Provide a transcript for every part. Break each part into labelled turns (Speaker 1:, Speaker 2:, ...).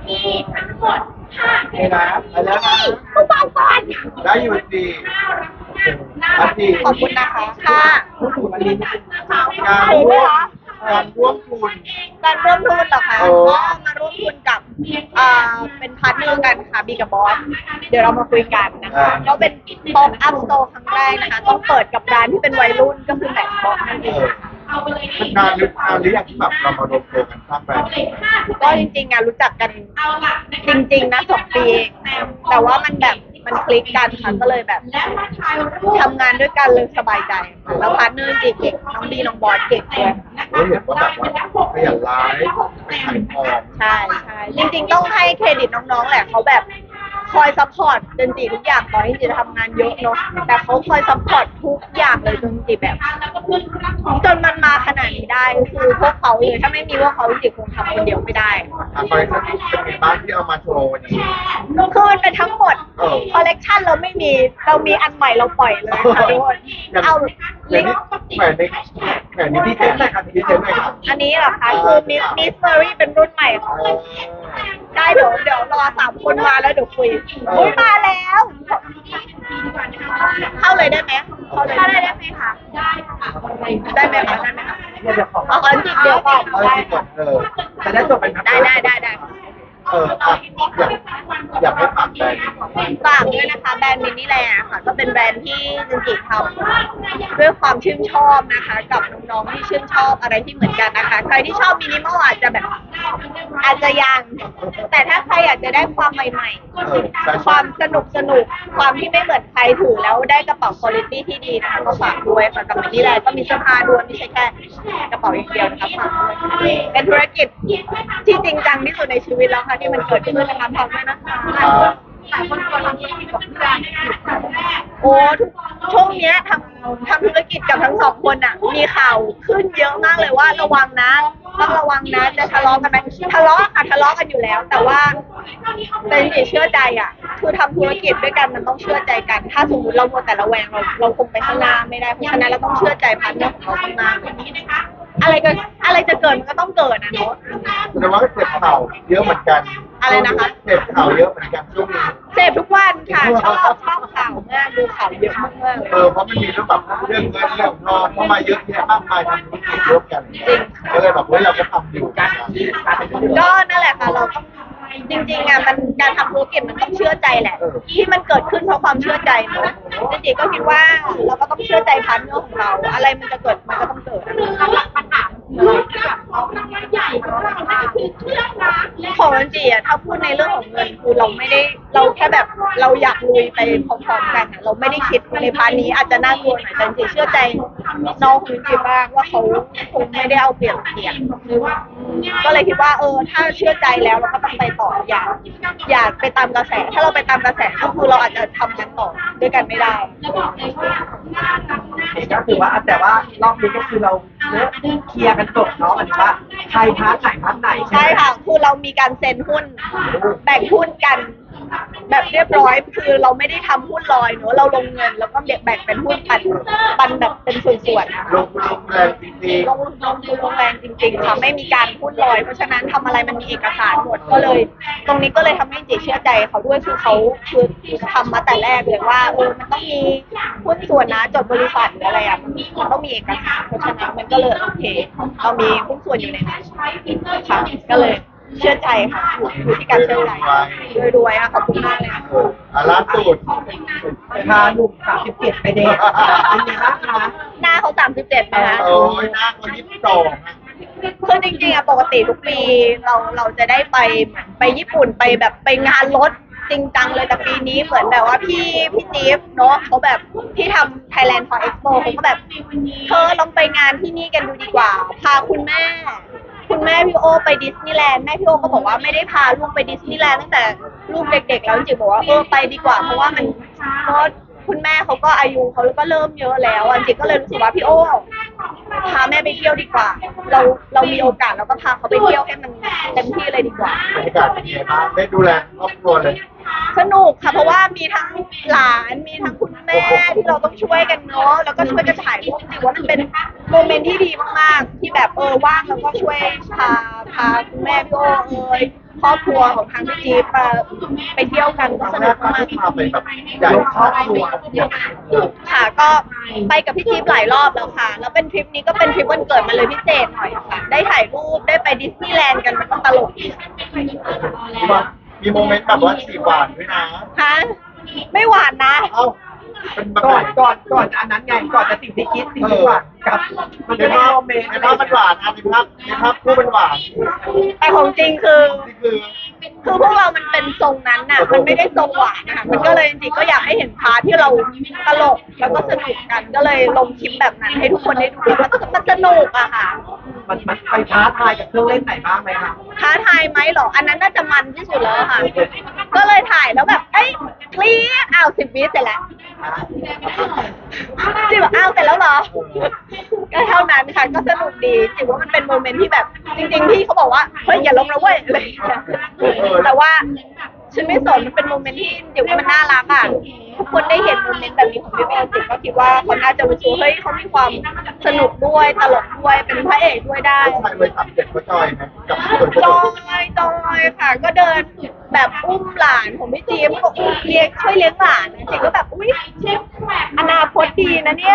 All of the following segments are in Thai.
Speaker 1: ที่ทั้งหมด5
Speaker 2: นี่นะไปแล้วนะ
Speaker 1: ผู้บอลก่อน
Speaker 2: ได้อยู่ดีอันดี
Speaker 3: ขอบคุณนะคะค่ะ
Speaker 2: พูดถึงอันนี้การร่วมการร่วมทุน
Speaker 3: การร่วมทุนเหรอคะ
Speaker 2: โอ้
Speaker 3: ก็มาร่วมทุนกับเป็นพาร์ทเนอร์กันค่ะบีกับบอสเดี๋ยวเรามาคุยกันนะคะก็เป็นป๊อปอัพสโตร์ครั้งแรกนะคะต้องเปิดกับร้านที่เป็นวัยรุ่นก็คือแม็กซ์บ็อกนั่นเอง
Speaker 2: มันนานหรือยังที่แบบเรามารวมตัวกันสร้างแบรนด์
Speaker 3: ก็จริงๆรู้จักกันจริงๆนะ2 ปีเองแต่ว่ามันคลิกกันค่ะก็เลยแบบทำงานด้วยกันเลยสบายใจค่ะแล้วพาร์ทเนอร์เก่งๆน้องบีน้องบอสเก่งด้วย
Speaker 2: เราเห็นว่าแบบว่าขยันไลฟ์ไปขายของ
Speaker 3: ใช่จริงๆต้องให้เครดิตน้องๆแหละเขาแบบคอยซัพพอร์ตจนจีทุกอย่างตอนที่จีทำงานเยอะเนาะแต่เขาคอยซัพพอร์ตทุกอย่างเลยจนจีแบบจนมันมาขนาดนี้ได้คือพวกเขาเลยถ้าไม่มีพวกเขาจีคงทำคนเดียวไม่ได้
Speaker 2: คอลเลคชันนี้เป็นไงบ้างที่เอามาโชว์วันนี้
Speaker 3: คือมันเป็นทั้งหมดคอลเลกชันเราไม่มีเรามีอันใหม่เราปล่อยเลยค่ะทุกคนเอา
Speaker 2: ลิงก์แขวนนี้ที่เซ็นหน่อยครับที่เซ็นหน่อยครับ
Speaker 3: อันนี้เหรอคะคือมิสเฟอรี่เป็นรุ่นใหม่ค่ะได้เดี๋ยวรอ3 คนมาแล้วเดี๋ยวคุยอุ้ยมาแล้วเข้าเลยได้ไหมเข้าเลยได้ไหมคะได้ไหมคะได้ไหมคะ
Speaker 2: เดี๋ยวขอ
Speaker 3: เอาอันจิบเดียวก่อน
Speaker 2: ได้จะได้จบเป็น
Speaker 3: ได้
Speaker 2: อยากให้ฝากแบรนด์
Speaker 3: ฝากด้วยนะคะแบรนด์มินิแลนด์ค่ะก็เป็นแบรนด์ที่จินจิทำด้วยความชื่นชอบนะคะกับน้องๆที่ชื่นชอบอะไรที่เหมือนกันนะคะใครที่ชอบมินิมอลอาจจะแบบอาจจะยังแต่ถ้าใครอยากจะได้ความใหม่ๆความสนุกความที่ไม่เหมือนใครถือแล้วได้กระเป๋าคุณภาพที่ดีนะคะก็ฝากด้วยค่ะกับมินิแลนด์ก็มีเสื้อผ้าด้วยไม่ใช่แค่กระเป๋าอย่างเดียวนะคะฝากด้วยเป็นธุรกิจที่จริงจังที่สุดในชีวิตแล้วค่ะที่มันเกิดขึ้นนะคะทำด้วยนะคะหลายคนกลัวทำธุรกิจกับเพื่อนโอ้ช่วงนี้ทำธุรกิจกับทั้ง2 คนอ่ะมีข่าวขึ้นเยอะมากเลยว่าระวังนะต้องระวังนะจะทะเลาะกันไหมทะเลาะกันอยู่แล้วแต่ว่าแต่จริงๆเชื่อใจอ่ะคือทำธุรกิจด้วยกันมันต้องเชื่อใจกันถ้าสมมติเราโมแต่ระแวงเราคงไปข้างหน้าไม่ได้เพราะฉะนั้นเราต้องเชื่อใจพาร์ทเนอร์ของเรามากๆอะไรจะเกิดมันก็ต้องเกิดนะเนาะ
Speaker 2: แต่ว่าเจ็บเข่าเยอะเหมือนกัน
Speaker 3: อะไรนะคะ
Speaker 2: เจ็บเข่าเยอะเหมือนกันช่วงนี้
Speaker 3: เสพทุกวันค่ะชอบข่าวมากดูข่าวเยอะมากเลย
Speaker 2: เพราะมันมีเรื่องแบบเรื่องเงินเรื่องทองเข้ามาเยอะแยะมากมายทำธุรกิจร่วมกัน
Speaker 3: จริง
Speaker 2: ก็เลยแบบว่าเราก็ทำอยู่กัน
Speaker 3: ก็นั่นแหละค่ะเราต้องจริงๆอ่ะมันการทำธุรกิจมันต้องเชื่อใจแหละที่มันเกิดขึ้นเพราะความเชื่อใจเนาะจริงๆก็คิดว่าเราก็ต้องเชื่อใจพาร์ทเนอร์ของเราอะไรมันจะเกิดมันก็ต้องเกิดหลักปัญหาใหญ่ของเราคือเครื่องนะของจริงๆอ่ะถ้าพูดในเรื่องของเงินคือเราแค่แบบเราอยากลุยไปพร้อมๆกันเราไม่ได้คิดในพาร์ทนี้อาจจะน่ากลัวหน่อยแต่จริงๆเชื่อใจน้องคุณจิบ้างว่าเขาคงไม่ได้เอาเปรียบเทียบก็เลยคิดว่าถ้าเชื่อใจแล้วเราก็ต้องไปต่ออย่าไปตามกระแสถ้าเราไปตามกระแสก็คือเราอาจจะทำงานต่อด้วยกันไม่ได้
Speaker 4: ก็ถือว่าแต่ว่ารอบนี้ก็คือเราเคลียร์กันจบเนาะอันนี้ว่าใครพาร์ทไหน
Speaker 3: ใช่ค่ะคือเรามีการเซ็นหุ้นแบ่งหุ้นกันแบบเรียบร้อยคือเราไม่ได้ทำหุ้นลอยเนอะเราลงเงินแล้วก็แบ่งเป็นหุ้นปันแบบเป็นส่วนๆ
Speaker 2: ลงแรงจริงๆ
Speaker 3: ลงแรงจริงๆค่ะไม่มีการหุ้นลอยเพราะฉะนั้นทำอะไรมันมีเอกสารหมดก็เลยตรงนี้ก็เลยทำให้จีเชื่อใจเขาด้วยคือเขาคือทำมาแต่แรกเลยว่ามันต้องมีหุ้นส่วนนะจดบริษัทหรืออะไรอ่ะมันต้องมีเอกสารเพราะฉะนั้นมันก็เลยโอเคเรามีหุ้นส่วนอยู่ในนั้นค่ะก็เลยเชื่อใจค่ะอยู่ที่การเชื่อใจรวยๆขอบคุณมากเลย
Speaker 2: ล่าสุด
Speaker 4: พาหนุ่ม37ไปเดทเป็นไงบ้างคะ
Speaker 3: หน้าเขา37นะคะ
Speaker 2: โอ้ยหน้าคน22
Speaker 3: คือจริงๆอะปกติทุกปีเราจะได้ไปญี่ปุ่นไปแบบไปงานรถจริงจังเลยแต่ปีนี้เหมือนแบบว่าพี่จิ๊บเนาะเขาแบบที่ทำ Thailand for Expo เขาก็แบบเธอลองไปงานที่นี่กันดูดีกว่าพาคุณแม่พี่โอไปดิสนีย์แลนด์แม่พี่โอก็บอกว่าไม่ได้พาลูกไปดิสนีย์แลนด์ตั้งแต่ลูกเด็กๆแล้วจริงๆบอกว่าไปดีกว่าเพราะว่ามันก็คุณแม่เขาก็อายุเขาก็เริ่มเยอะแล้วจริงๆก็เลยรู้สึกว่าพี่โอพาแม่ไปเที่ยวดีกว่าเรามีโอกาสเราก็พาเขาไปเที่ยวให้มันเต็มที่เลยดีกว่า
Speaker 2: บรรยากาศเป็นไงบ้างได้ดูแลครอบครัวเลย
Speaker 3: สนุกค่ะเพราะว่ามีทั้งหลานมีทั้งคุณแม่ที่เราต้องช่วยกันเนาะแล้วก็ช่วยกันถ่ายรูปจริงว่ามันเป็นโมเมนต์ที่ดีมากๆที่แบบว่างแล้วก็ช่วยพาคุณแม่พี่โอครอบครัวของทางพี่จี๊บมาไปเที่ยวกันก็สนุกมาก
Speaker 2: พาไปแบบใหญ่ครอบครัว
Speaker 3: ค่ะก็ไปกับพี่จี๊บหลายรอบแล้วค่ะ แล้วเป็นทริปนี้ก็เป็นทริปวันเกิดมาเลยพิเศษหน่อยค่ะ ได้ถ่ายรูปได้ไปดิสนีย์แลนด์กันมันก็ตลกดี
Speaker 2: มีโมเมนต์แบบว่าสีหวานด้วยนะ
Speaker 3: ฮะไม่หวานนะ
Speaker 2: เอ้าเป็นแบบ
Speaker 4: ก่อนอันนั้นไงก่อนจะสิ่งที่คิดสิ่งที่หวานกับมัน
Speaker 2: ใน
Speaker 4: เป็น
Speaker 2: ภาพ
Speaker 4: โมเมนต์
Speaker 2: ในภาพมันหวานนะในภาพคู่มันหวาน
Speaker 3: แต่ของจริงคือ
Speaker 2: นี่คือ
Speaker 3: คือพวกเรามันเป็นทรงนั้นน่ะ มันไม่ได้ทรงหวานนะคะมันก็เลยจริงๆก็อยากให้เห็นพาร์ทที่เราตลกแล้วก็สนุกกัน ก็เลยลงคลิปแบบนั้นให้ทุกคนได้ดูมันสนุกอะค่ะ
Speaker 4: มันไปท้าทายกับเครื่องเล่นไหนบ้างไหมคะ
Speaker 3: ท้าทายไหมเหรอ อันนั้นน่าจะมันที่สุดแล้วค่ะ ก็เลยถ่ายแล้วแบบ เอ้ยเคลียร์อ้าว10 วิเสร็จแล้วจิบอ้าวเสร็จแล้วเหรอ ก็เท่านั้นค่ะ ก็สนุกดีจิบว่ามันเป็นโมเมนต์ที่แบบ จริงๆพี่เขาบอกว่า เฮ้ยอย่าลงนะเว้ยอะไรอย่างเงี้ยแต่ว่าฉันไม่สนมันเป็นโมเมนต์ที่จิบว่ามันน่ารักอ่ะทุกคนได้เห็นโมเมนต์แบบนี้ของพี่เบลจิบก็คิดว่าเขาน่าจะรู้สึกเฮ้ยเขามีความสนุกด้วยตลกด้วยเป็นพระเอกด้วยได้
Speaker 2: ชายวัย37เขาจอยไหมกับส่วนผ
Speaker 3: จ
Speaker 2: ส
Speaker 3: อ
Speaker 2: ม
Speaker 3: ยค่ะ ก็เดินแบบอุ้มหลานของพี่จี๊บก็อุ้มเลี้ยงช่วยเลี้ยงหลานจริงก็แบบอุ้ยอนาคตดีนะเนี่ย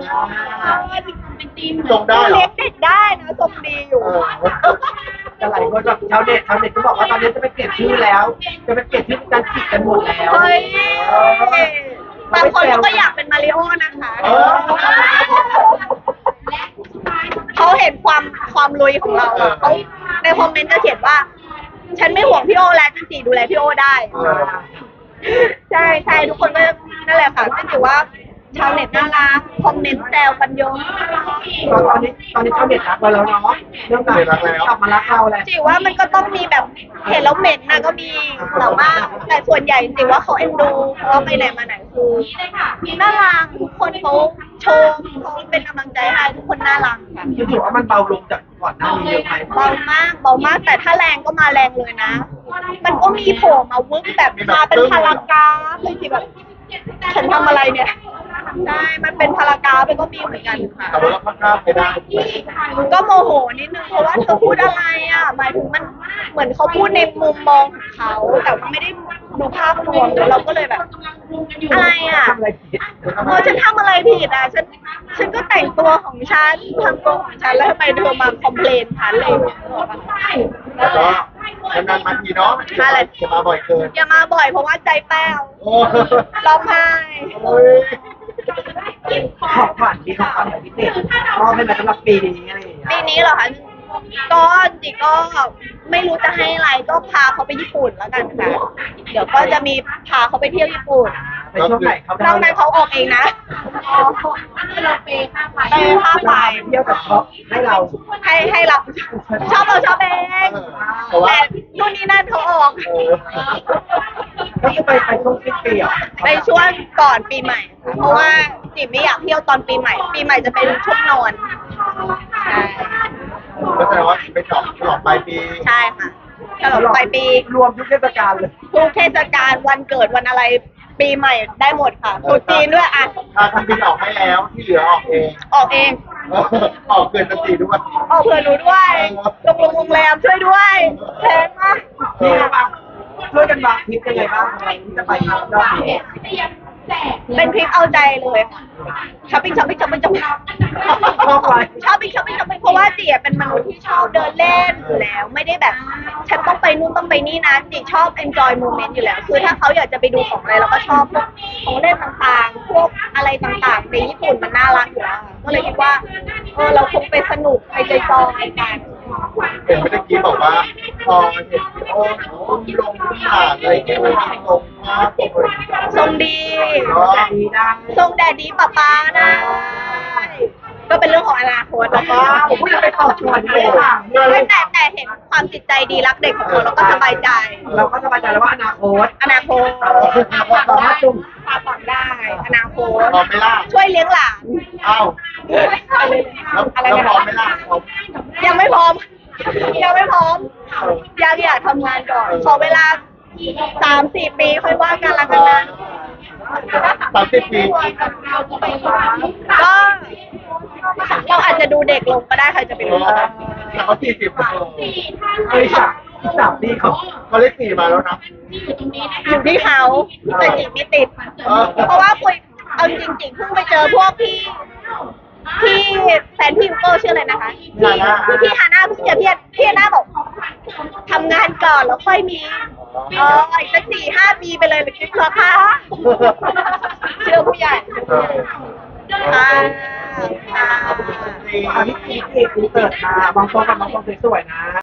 Speaker 2: ทรงได้เหรอ
Speaker 3: เลี้ยงเด็กได้นะทรงดีอยู่
Speaker 4: แต่หลายคนแบบชาวเน็ตก็บอกว่าตอนนี้จะไปเปลี่ยนชื่อแล้ว จะไปเปลี่ยนชื่อจันจิกันหมดแล้ว
Speaker 3: เฮ้ยบางคนก็อยากเป็นมาริโอนะคะ เขาเห็นความลุยของเราอะเขาในคอมเมนต์จะเขียนว่า ฉันไม่ห่วงพี่โอแล้วจันจีดูแลพี่โอได้ ใช่ทุกคนก็นั่นแหละค่ะก็ถือว่าชาวเน็ตน่ารักคอมเมนต์แซวกันเยอะ
Speaker 4: ตอนนี้ชาวเน็ตรักเราแล้วเนาะเรื่องการกลับมารักเราแล้ว
Speaker 3: จิว่ามันก็ต้องมีแบบเห็นแล้วเหม็นนะก็มีแต่ว่าแต่ส่วนใหญ่จิว่าเขาเอ็นดูเพราะว่าไปไหนมาไหนคือน่ารักทุกคนเขาชมเขาเป็นกำลังใจให้ทุกคนน่ารักค่ะ
Speaker 4: คือถือว่ามันเบาลงจากก่อนหน้านี้เยอะไหม
Speaker 3: เบามากแต่ถ้าแรงก็มาแรงเลยนะ มันก็มีโผล่มาวึบแบบมาเป็นพารากราฟเลยสิแบบฉันทำอะไรเนี่ยใช่มันเป็นพารากราฟมันก็มีเหมือนกันค่ะ
Speaker 2: แต่ว่าเราค่อนข้างไปได้
Speaker 3: ก็โมโหนิดนึงเพราะว่าเธอพูดอะไรอ่ะหมายถึงมันเหมือนเขาพูดในมุมมองของเขาแต่ว่าไม่ได้ดูภาพรวมเราก็เลยแบบ อะไรอ่ะ
Speaker 4: ทำอะไรผิด
Speaker 3: ฉันทำอะไรผิดอ่ะฉันก็แต่งตัวของฉันทำตัวของฉันแล้วทำไมเธอมาคอมเพลนฉันเลย
Speaker 2: แล้วก็นานๆมาทีเนาะจะมาบ่อยเกิน
Speaker 3: อย่ามาบ่อยเพราะว่าใจแป้ว
Speaker 2: โอ้
Speaker 3: ร้องไห้
Speaker 2: โอ้ย
Speaker 4: ของขวัญมีของขวัญพิเศษมอบให้มาสำหรับปีนี้อะไรอย่างเงี้ย
Speaker 3: ปีนี้เหรอคะก็จริงก็ไม่รู้จะให้อะไรก็พาเขาไปญี่ปุ่นแล้วกันค่ะเดี๋ยวก็จะมีพาเขาไปเที่ยวญี่ปุ่น
Speaker 4: ในช่วงไหนเขา
Speaker 3: นอกนั้นเขาออกเองนะเปย์ค่าไฟ
Speaker 4: เที่ยวกับเขาให้เรา
Speaker 3: ให้เราชอบเราชอบเอง
Speaker 2: แต่ว่า
Speaker 3: แต่นู่นนี่นั่นเขาออก
Speaker 4: ก็คือไปช่วงสิ้นปีอ่ะ
Speaker 3: ในช่วงก่อนปีใหม่ค่ะเพราะว่าจิ๋มไม่อยากเที่ยวตอนปีใหม่ ปีใหม่จะเป็นช่วงนอนใช่
Speaker 2: ก็แสดงว่าไปฉลองปลายปี
Speaker 3: ใช่ค่ะฉลองปลายปี
Speaker 4: รวมทุกเทศกาลเลย
Speaker 3: ทุกเทศกาลวันเกิดวันอะไรปีใหม่ได้หมดค่ะตรุษจีนด้วยอ่ะ
Speaker 2: ถ้าทำบินออกให้แล้วที่เหลือออกเอง
Speaker 3: ออกเอง
Speaker 2: ออกเกินสติด้วย
Speaker 3: ออกเผื่อหนูด้วยโรงแรมช่วยด้วยแพงมาก
Speaker 4: นี่บางช่วยกันวางทริปยังไงบ้างอะไรที่จะไปรอบนี้
Speaker 3: เป็นทริปเอาใจเลยค่ะช้อปปิ้ง
Speaker 4: ชอบไป
Speaker 3: ช้อปปิ้งเพราะว่าจีเป็นมนุษย์ที่ชอบเดินเล่นอยู่แล้ว ไม่ได้แบบ ฉันต้องไปนู่นต้องไปนี่นะจีชอบ enjoy moment อยู่แล้ว คือถ้าเขาอยากจะไปดูของอะไรเราก็ชอบพวกของเล่นต่างๆ พวกอะไรต่างๆในญี่ปุ่นมันน่ารักอยู่แล้วค่ะก็เลยคิดว่าเราคงไปสนุกไปจอยๆกัน
Speaker 2: เห็นเมื่อกี้บอกว่าพอเห็นพี่โอ้ลงที่หาดอะไรเงี้ยมันมีตรงมากตรงเลย
Speaker 3: ทรงดี
Speaker 4: ดีดัง
Speaker 3: ทรงแดดดีป๊าได้ก็เป็นเรื่องของอนาคตแล้วก็
Speaker 4: ผมพูดไปต่อชวนเลยค่ะ
Speaker 3: แต่เห็นความจิตใจดีรักเด็กของเราแล้วก็สบายใจ
Speaker 4: เราก็สบายใจแล้วว่าอนาคต
Speaker 3: อนาคต
Speaker 4: สามารถจุ่ม
Speaker 3: พาต่อได้ อนาคต
Speaker 2: พร้อมไหมล่ะ
Speaker 3: ช่วยเลี้ยงหลาน
Speaker 2: อ้าวแล้วพร้อมไหมล่ะพร้อม
Speaker 3: ยังไม่พร้อม ยังไม่พร้อม อยากทำงานก่อน ขอเวลา 3-4 ปีค่อยว่ากันละกันนะ
Speaker 2: 30 ปี
Speaker 3: ก็เราอาจจะดูเด็กลงก็ได้ใครจะไปรู้
Speaker 2: แล้วเขา40
Speaker 4: เฮ้ยค่ะ 3 ปีเขา
Speaker 2: เขาเลข4มาแล้วนะ
Speaker 3: อยู่ที่เขาแต่จีบไม่ติด เพราะว่าคุยเอาจริงๆเพิ่งไปเจอพวกพี่แฟนพี่ยูโก้ชื่ออะไรนะคะพี่ฮาน่าเพิ่งเจอพี่ฮาน่าบอกทำงานก่อนแล้วค่อยมีอีกสัก4-5 ปีไปเลยหรือเหรอคะเชื่อผู้ใหญ่ค่ะค่ะ
Speaker 4: พี่จีพี่เอกอินเสิร์ตมามองโต๊ะกับมองโต๊ะสวยๆนะ